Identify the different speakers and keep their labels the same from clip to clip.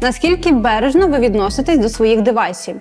Speaker 1: Наскільки бережно ви відноситесь до своїх девайсів?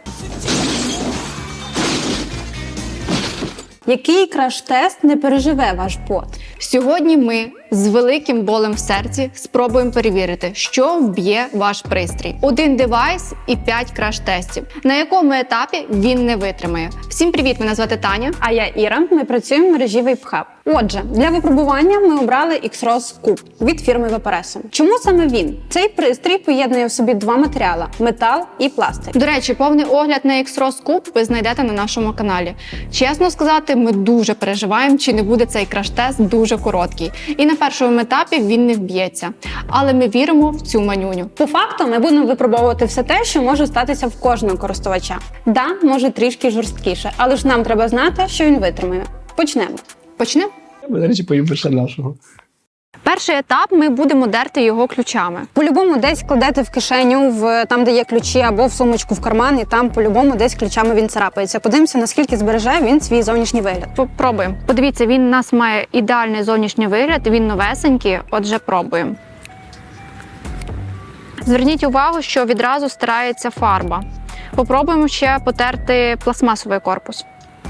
Speaker 1: Який краш-тест не переживе ваш бот?
Speaker 2: Сьогодні ми з великим болем в серці спробуємо перевірити, що вб'є ваш пристрій. 1 девайс і 5 краш-тестів. На якому етапі він не витримає. Всім привіт, мене звати Таня.
Speaker 1: А я Іра, ми працюємо в мережі VapeHub. Отже, для випробування ми обрали X-Rose Cube від фірми Vaporess. Чому саме він? Цей пристрій поєднує в собі два матеріали – метал і пластик.
Speaker 2: До речі, повний огляд на X-Rose Cube ви знайдете на нашому каналі. Чесно сказати, ми дуже переживаємо, чи не буде цей краш-тест дуже короткий. І на першому етапі він не вб'ється. Але ми віримо в цю манюню.
Speaker 1: По факту ми будемо випробовувати все те, що може статися в кожного користувача. Да, може трішки жорсткіше, але ж нам треба знати, що він витримає. Почнемо.
Speaker 2: Почнемо?
Speaker 3: Я, до речі, поїм нашого.
Speaker 2: Перший етап ми будемо дерти його ключами.
Speaker 1: По-любому десь кладете в кишеню, там, де є ключі, або в сумочку в карман, і там по-любому десь ключами він царапається. Подивимося, наскільки збереже він свій зовнішній вигляд.
Speaker 2: Попробуємо. Подивіться, він у нас має ідеальний зовнішній вигляд, він новесенький, отже, пробуємо. Зверніть увагу, що відразу стирається фарба. Попробуємо ще потерти пластмасовий корпус.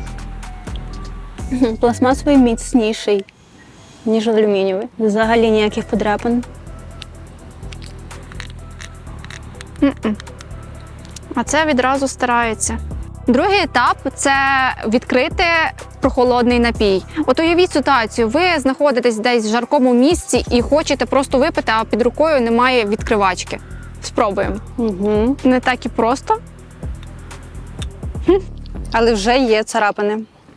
Speaker 1: Пластмасовий міцніший, ніж алюмінієвий. Взагалі ніяких подряпин.
Speaker 2: А це відразу стирається. Другий етап – це відкрити прохолодний напій. От уявіть ситуацію, ви знаходитесь десь в жаркому місці і хочете просто випити, а під рукою немає відкривачки. Спробуємо.
Speaker 1: Угу.
Speaker 2: Не так і просто.
Speaker 1: Але вже є царапини.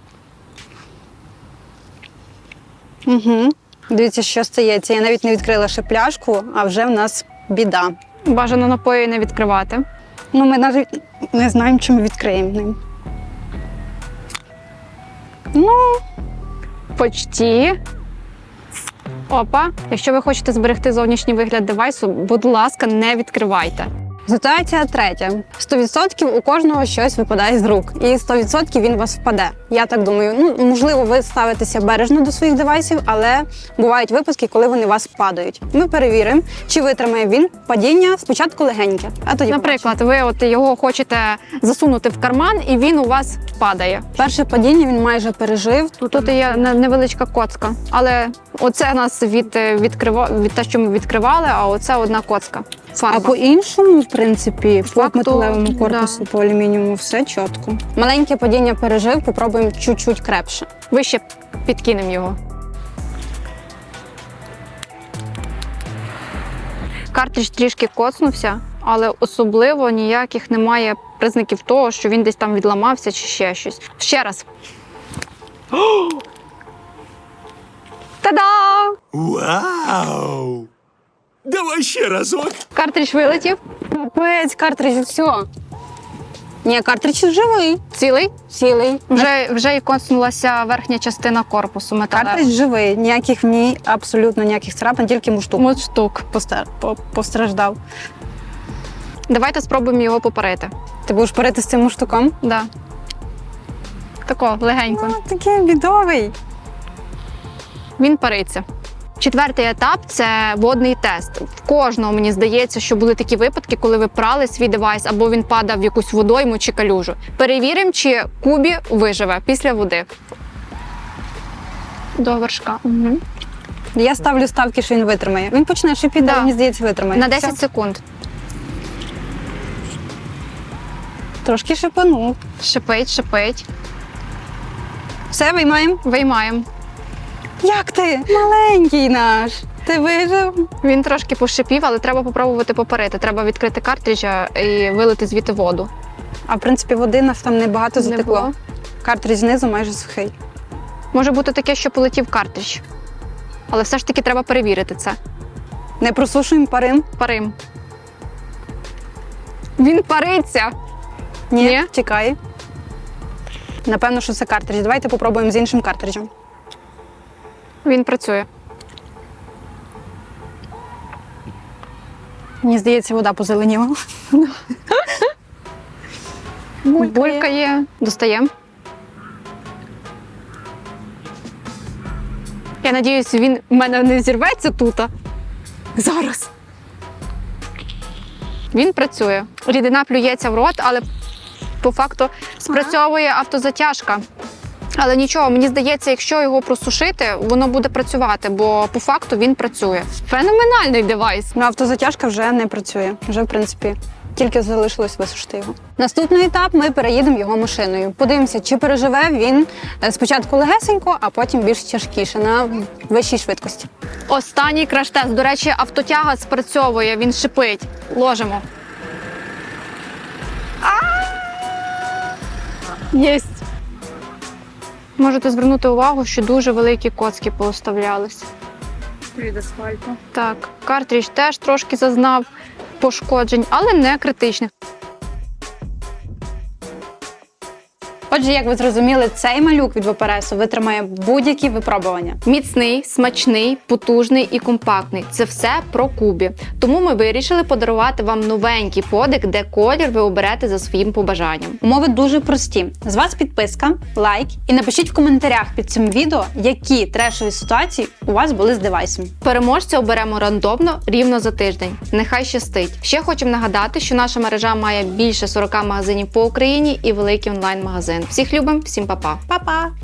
Speaker 1: Угу. Дивіться, що стається. Я навіть не відкрила ще пляшку, а вже в нас біда.
Speaker 2: Бажано напої не відкривати.
Speaker 1: Ну, ми навіть не знаємо, чи ми відкриємо ним. Ну,
Speaker 2: Почті. Опа. Якщо ви хочете зберегти зовнішній вигляд девайсу, будь ласка, не відкривайте.
Speaker 1: ситуація третя. 100% у кожного щось випадає з рук. І 100% він у вас впаде. Я так думаю. Ну, можливо, ви ставитеся бережно до своїх девайсів, але бувають випадки, коли вони у вас падають. Ми перевіримо, чи витримає він падіння спочатку легеньке, а тоді
Speaker 2: Наприклад, ви от його хочете засунути в карман, і він у вас падає.
Speaker 1: перше падіння він майже пережив.
Speaker 2: Тут є невеличка коцка, але оце у нас від те, що ми відкривали, а оце одна коцка. Фарба.
Speaker 1: А по-іншому, в принципі, по
Speaker 2: Факту,
Speaker 1: металевому корпусу, по алюмініуму все чітко. Маленьке падіння пережив, попробуємо чуть-чуть крепше.
Speaker 2: Вище підкинемо його. Картридж трішки коцнувся, але особливо ніяких немає признаків того, що він десь там відламався чи ще щось. Ще раз. Та-да!
Speaker 4: Вау! Давай ще разок.
Speaker 2: Картридж вилетів.
Speaker 1: Капець, картридж, все. Ні, картридж живий.
Speaker 2: Цілий.
Speaker 1: Цілий.
Speaker 2: Вже і коцнулася верхня частина корпусу металевого.
Speaker 1: Картридж живий. Ніяких в ній, абсолютно ніяких царапин, тільки муштук
Speaker 2: Мундштук.
Speaker 1: постраждав.
Speaker 2: Давайте спробуємо його попарити.
Speaker 1: Ти будеш парити з цим муштуком?
Speaker 2: Да. Тако, легенько.
Speaker 1: Такий бідовий.
Speaker 2: Він париться. Четвертий етап – це водний тест. В кожного, мені здається, що були такі випадки, коли ви прали свій девайс, або він падав в якусь водойму чи калюжу. Перевіримо, чи Кубі виживе після води. До вершка. Угу.
Speaker 1: Я ставлю ставки, що він витримає. Він почне шипіти,
Speaker 2: Да.
Speaker 1: але мені здається, витримає.
Speaker 2: На 10
Speaker 1: Все.
Speaker 2: секунд.
Speaker 1: Трошки шипанув.
Speaker 2: Шипить, шипить.
Speaker 1: Все, виймаємо.
Speaker 2: Виймаємо.
Speaker 1: Як ти? Маленький наш. Ти вижив?
Speaker 2: Він трошки пошипів, але треба попробувати попарити. Треба відкрити картриджа і вилити звідти воду.
Speaker 1: А в принципі, води нас там небагато
Speaker 2: Не
Speaker 1: затекло.
Speaker 2: було.
Speaker 1: Картридж знизу майже сухий.
Speaker 2: Може бути таке, що полетів картридж. Але все ж таки треба перевірити це.
Speaker 1: Не просушуємо парим?
Speaker 2: Парим. Він париться. Ні?
Speaker 1: Чекай. Напевно, що це картридж. Давайте попробуємо з іншим картриджем.
Speaker 2: Він працює.
Speaker 1: Мені здається, вода позеленіла.
Speaker 2: Булькає. Достаємо. Я надіюсь, він в мене не зірветься тут. Зараз. Він працює. Рідина плюється в рот, але по факту спрацьовує автозатяжка. Але нічого, мені здається, якщо його просушити, воно буде працювати, бо по факту він працює. Феноменальний девайс.
Speaker 1: Ну, автозатяжка вже не працює. Вже, в принципі, тільки залишилось висушити його. Наступний етап – ми переїдемо його машиною. Подивимося, чи переживе він спочатку легесенько, а потім більш тяжкіше, на вищій швидкості.
Speaker 2: Останній краш-тест. До речі, автотяга спрацьовує, він шипить. Ложимо. Єсть. Можете звернути увагу, що дуже великі коцки пооставлялись.
Speaker 5: Від асфальту.
Speaker 2: Так, картридж теж трошки зазнав пошкоджень, але не критичних.
Speaker 1: Отже, як ви зрозуміли, цей малюк від ВПРСу витримає будь-які випробування.
Speaker 2: Міцний, смачний, потужний і компактний. Це все про Кубі. Тому ми вирішили подарувати вам новенький подик, де колір ви оберете за своїм побажанням.
Speaker 1: Умови дуже прості. З вас підписка, лайк і напишіть в коментарях під цим відео, які трешові ситуації у вас були з девайсом.
Speaker 2: Переможця оберемо рандомно рівно за тиждень. Нехай щастить. Ще хочемо нагадати, що наша мережа має більше 40 магазинів по Україні і великий онлайн-магазин. Всіх любимо, всім па-па!
Speaker 1: Па-па!